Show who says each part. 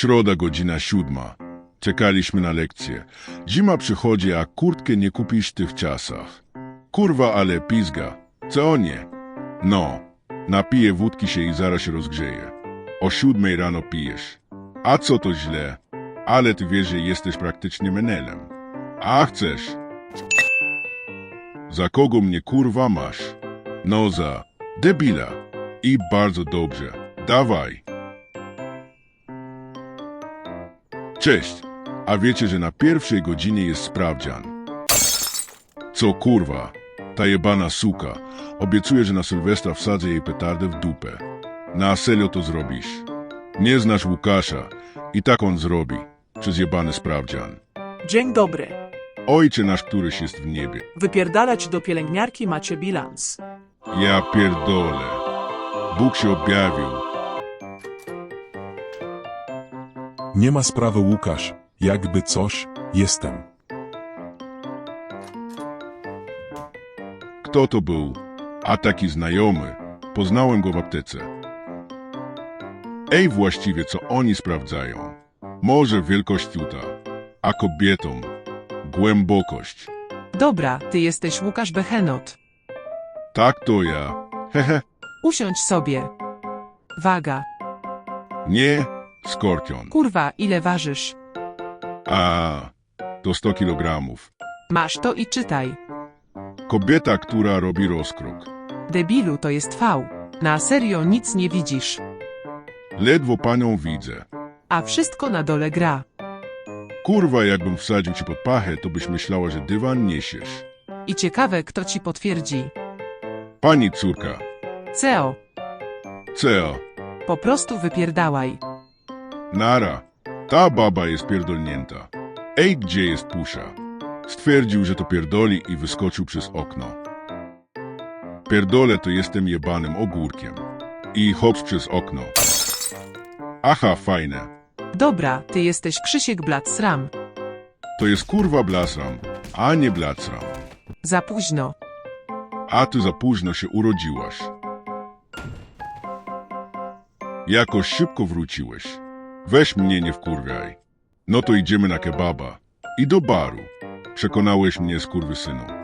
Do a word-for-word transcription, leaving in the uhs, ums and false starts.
Speaker 1: Środa, godzina siódma. Czekaliśmy na lekcję. Zima przychodzi, a kurtkę nie kupisz w tych czasach. Kurwa, ale pizga. Co nie? No, napiję wódki się i zaraz się rozgrzeje. O siódmej rano pijesz. A co to źle? Ale ty wiesz, że jesteś praktycznie menelem. A chcesz? Za kogo mnie kurwa masz? No za debila. I bardzo dobrze. Dawaj. Cześć. A wiecie, że na pierwszej godzinie jest sprawdzian? Co kurwa? Ta jebana suka. Obiecuje, że na Sylwestra wsadzę jej petardę w dupę. Na serio to zrobisz? Nie znasz Łukasza. I tak on zrobi. Przez jebany sprawdzian.
Speaker 2: Dzień dobry.
Speaker 1: Ojcze nasz, któryś jest w niebie.
Speaker 2: Wypierdalać do pielęgniarki macie bilans.
Speaker 1: Ja pierdolę. Bóg się objawił.
Speaker 3: Nie ma sprawy, Łukasz. Jakby coś, jestem.
Speaker 1: Kto to był? A taki znajomy. Poznałem go w aptece. Ej, właściwie co oni sprawdzają? Może wielkość tuta, a kobietom głębokość.
Speaker 4: Dobra, ty jesteś Łukasz Behenot.
Speaker 1: Tak to ja. Hehe.
Speaker 4: Usiądź sobie. Waga.
Speaker 1: Nie, skorpion.
Speaker 4: Kurwa, ile ważysz?
Speaker 1: A, to sto kilogramów.
Speaker 4: Masz to i czytaj.
Speaker 1: Kobieta, która robi rozkrok.
Speaker 4: Debilu, to jest V. Na serio nic nie widzisz.
Speaker 1: Ledwo panią widzę.
Speaker 4: A wszystko na dole gra.
Speaker 1: Kurwa, jakbym wsadził ci pod pachę, to byś myślała, że dywan niesiesz.
Speaker 4: I ciekawe, kto ci potwierdzi.
Speaker 1: Pani córka.
Speaker 4: Ceo,
Speaker 1: Ceo.
Speaker 4: po prostu wypierdałaj.
Speaker 1: Nara. Ta baba jest pierdolnięta. Ej, gdzie jest pusza? Stwierdził, że to pierdoli i wyskoczył przez okno. Pierdolę to jestem jebanym ogórkiem. I hops przez okno. Aha, fajne.
Speaker 4: Dobra, ty jesteś Krzysiek Blat-Sram.
Speaker 1: To jest kurwa blasram, a nie blacram.
Speaker 4: Za późno.
Speaker 1: A ty za późno się urodziłaś. Jakoś szybko wróciłeś. Weź mnie nie wkurwiaj. No to idziemy na kebaba. I do baru. Przekonałeś mnie, skurwysynu.